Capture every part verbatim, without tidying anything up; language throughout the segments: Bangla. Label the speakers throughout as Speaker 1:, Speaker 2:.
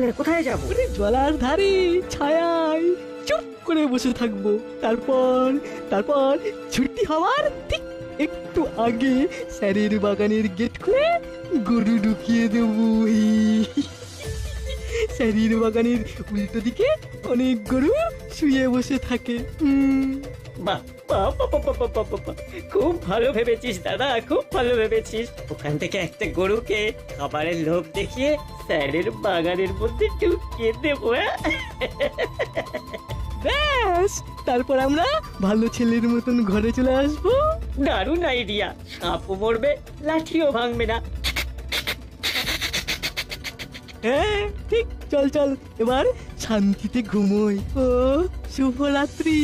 Speaker 1: কোথায় যাব?
Speaker 2: জলার ধারে ছায়ায় চুপ করে বসে থাকবো। তারপর তারপর ছুটি হওয়ার ঠিক একটু আগে স্যারের বাগানের গেট খুলে গরু ঢুকিয়ে দেবো। স্যারের বাগানের উল্টো দিকে অনেক গরু শুয়ে বসে থাকে। হুম
Speaker 1: বাহ বাহ বাহ বাহ বাহ বাহ বাহ বাহ। খুব ভালো ভেবেছিস দাদা, খুব ভালো ভেবেছিস। ওখান থেকে একটা গরুকে খাবারের লোভ দেখিয়ে স্যারের বাগানের মধ্যে ঢুকিয়ে দেবো। হ্যাঁ?
Speaker 2: ব্যাস, তারপর আমরা ভালো ছেলের মতন ঘরে চলে আসবো।
Speaker 1: দারুণ আইডিয়া। সাপও মরবে, লাঠিও ভাঙবে না।
Speaker 2: হ্যাঁ ঠিক, চল চল এবার শান্তিতে ঘুমোই। ও শুভরাত্রি।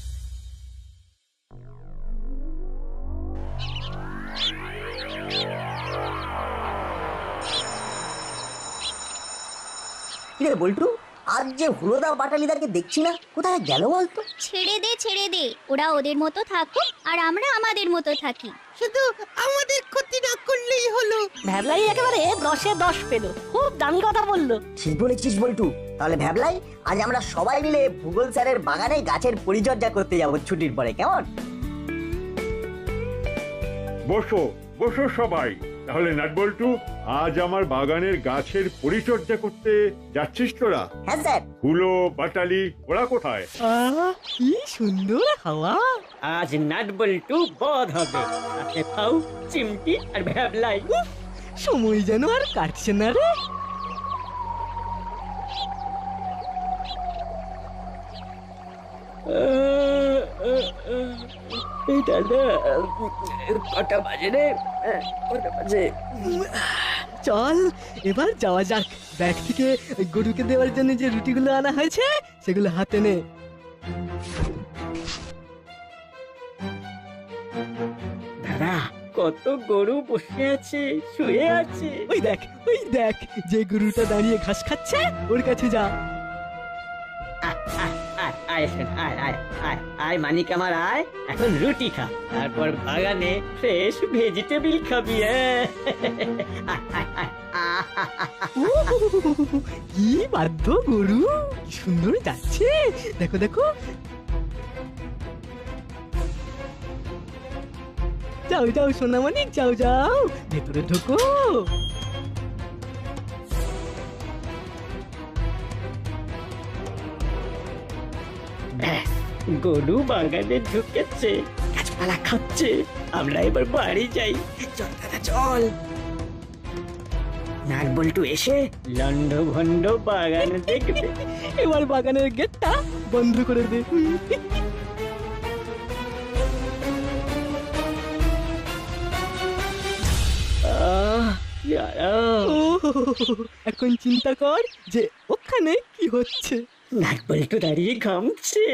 Speaker 3: কিরে বল্টু, আজ যে হুলোদা বাটালিদাকে দেখছি না, কোথায় গেল বলতো?
Speaker 4: ছেড়ে দে ছেড়ে দে, ওরা ওদের মতো থাকুক আর আমরা আমাদের মতো থাকি।
Speaker 5: শুধু আমাদের ক্ষতি না করলেই হলো।
Speaker 6: ভ্যাবলাই একেবারে দশে দশ পেল, খুব দামি কথা বললো।
Speaker 3: ঠিক বলেছিস বল্টু। তাহলে ভাবলাই আজ আমরা সবাই মিলে ভূগোল স্যারের বাগানে গাছের পরিচর্যা করতে যাব ছুটির পরে, কেমন?
Speaker 7: বসো বসো সবাই। তাহলে নাটবল্টু, আজ আমার বাগানের গাছের পরিচর্যা করতে যাচ্ছিস তোরা?
Speaker 3: হ্যাঁ স্যার।
Speaker 7: হুলো বাটালি ওরা কোথায়?
Speaker 2: আহ কি সুন্দর হাওয়া।
Speaker 1: আজ নাট বল্টু বধ হবে। সাথে ফাউ, চিমটি আর ভ্যাবলাই।
Speaker 2: সময় যেন আর কাটছে না রে।
Speaker 1: এই দাদা, কটা বাজে রে? কটা বাজে?
Speaker 2: চল এবার যাওয়া যাক। ব্যাগ থেকে ওই গরুকে দেওয়ার জন্য যে রুটিগুলো আনা হয়েছে সেগুলো হাতে নে।
Speaker 1: দাদা, কত গরু বসে আছে, শুয়ে আছে।
Speaker 2: ওই দেখ ওই দেখ, যে গরুটা দাঁড়িয়ে ঘাস খাচ্ছে ওর কাছে যা।
Speaker 1: আয়, আয়, আয়, আয় শোন, আয়, আয়, আয়, আয় মানিক আমার, আয়। এখন রুটি খা, তারপর বাগানে ফ্রেশ ভেজিটেবল খাবি। হ্যাঁ? আয়, আয়, আয়, আহ,
Speaker 2: উহ, কি বাধ্য গরু, কি সুন্দর যাচ্ছে। দেখো দেখো। যাও যাও সোনামানিক, যাও যাও ভেতরে ঢোকো।
Speaker 1: ব্যাস, গরু বাগানে ঢুকেছে, গাছপালা খাচ্ছে। আমরা এবার বাড়ি যাই। চল দাদা চল। নাট বল্টু এসে লন্ড ভন্ড বাগান দেখবে।
Speaker 2: এবার বাগানের গেটটা বন্ধ করে দে।
Speaker 1: আহ, কি আরাম।
Speaker 2: ও, এখন চিন্তা কর যে ওখানে কি হচ্ছে।
Speaker 1: নাট বল্টু দাঁড়িয়ে ঘামছে।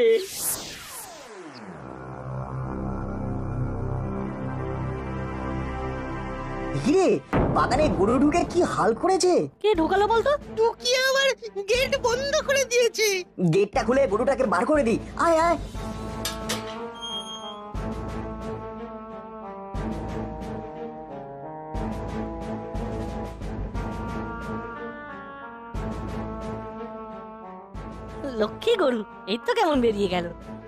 Speaker 3: হিরে, বাগানে গরু ঢুকে কি হাল করেছে।
Speaker 6: কে ঢোকালো বলতো?
Speaker 5: টুকি আবার গেট বন্ধ করে দিয়েছে।
Speaker 3: গেটটা খুলে গরুটাকে বার করে দি। আয় আয়।
Speaker 6: লক্ষ্মী গরু, এই তো কেমন বেরিয়ে গেল।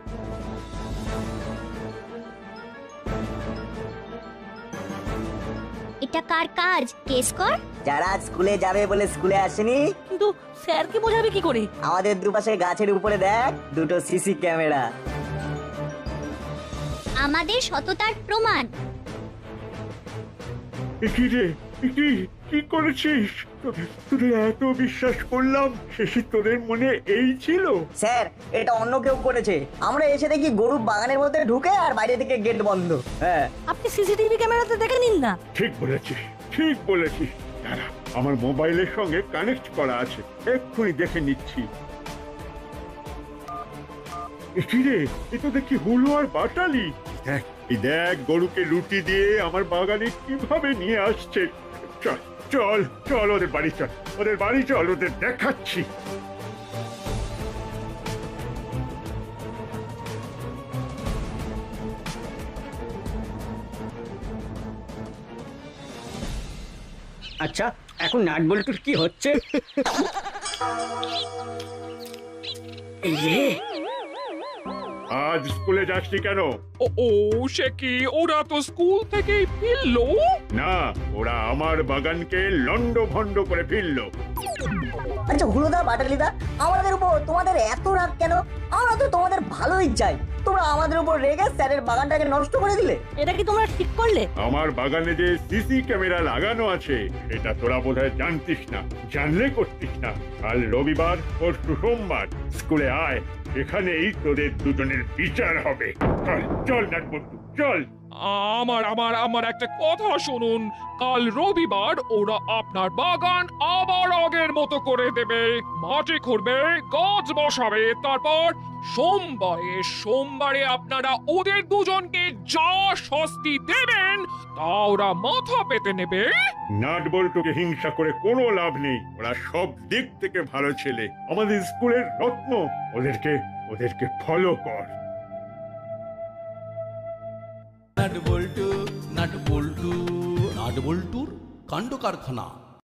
Speaker 4: এটা কার কাজ? কেস কর।
Speaker 3: যারা স্কুলে যাবে বলে স্কুলে আসেনি,
Speaker 6: কিন্তু স্যারকে বোঝাবে কি করে?
Speaker 3: আমাদের দুপাশে গাছের উপরে দেখ দুটো সিসি ক্যামেরা।
Speaker 4: আমাদের সততার প্রমাণ।
Speaker 7: এ কি রে, এ কি কি করেছিস? তোদের তোদের এত বিশ্বাস করলাম, শেষে তোদের মনে এই ছিল?
Speaker 3: স্যার, এটা অন্য কেউ করেছে। আমরা এসে দেখি গরু বাগানের মধ্যে ঢুকে আর বাইরে থেকে গেট বন্ধ। হ্যাঁ,
Speaker 6: আপনি সিসিটিভি ক্যামেরাতে দেখে নিন না।
Speaker 7: ঠিক বলেছিস, ঠিক বলেছিস। দাঁড়া, আমার মোবাইলের সঙ্গে কানেক্ট করা আছে, এক্ষুনি দেখে নিচ্ছি। এ কি রে, এ তো দেখি হুলো আর বাটালি। দেখ, এই দেখ গরুকে রুটি দিয়ে আমার বাগানে কিভাবে নিয়ে আসছে। চল চল চল, ওদের বাড়ি চল, ওদের বাড়ি চল, ওদের দেখাচ্ছি।
Speaker 1: আচ্ছা, এখন নাট বল্টুর কি হচ্ছে? এই যে
Speaker 7: আজ স্কুলে যাসনি কেন?
Speaker 8: ও ও সে কি, ওরা তো স্কুল থেকেই ফিরলো।
Speaker 7: না, ওরা আমার বাগানকে লন্ড ভন্ড করে ফিরলো।
Speaker 3: আচ্ছা হুলোদা বাটালিদা, আমাদের উপর তোমাদের এত রাগ কেন? আমরা তো তোমাদের ভালোই চাই, তোমরা আমাদের উপর রেগে স্যারের বাগানটাকে নষ্ট করে দিলে।
Speaker 6: এটা কি তোমরা ঠিক করলে?
Speaker 7: আমার বাগানে যে সিসি ক্যামেরা লাগানো আছে এটা তোরা বোধহয় জানতিস না, জানলে করতিস না। কাল রবিবার পরশু সোমবার স্কুলে আয়, এখানেই তোদের দুজনের বিচার হবে। চল চল নাটবল্টু চল।
Speaker 8: আমার আমার আমার একটা কথা শুনুন, কাল রবিবার ওরা আপনার বাগান আবার আগের মতো করে দেবে, মাটি খুঁড়বে, গাছ বসাবে, তারপর সোমবারে সোমবারে আপনারা ওদের দুজনকে যা শাস্তি দেবেন তা ওরা মাথা পেতে নেবে।
Speaker 7: নাটবল্টুকে হিংসা করে কোনো লাভ নেই, ওরা সব দিক থেকে ভালো ছেলে, আমাদের স্কুলের রত্ন। ওদেরকে ওদেরকে ফলো কর।
Speaker 9: Nut bolt nut bolt nut বল্টুর কাণ্ড কারখানা।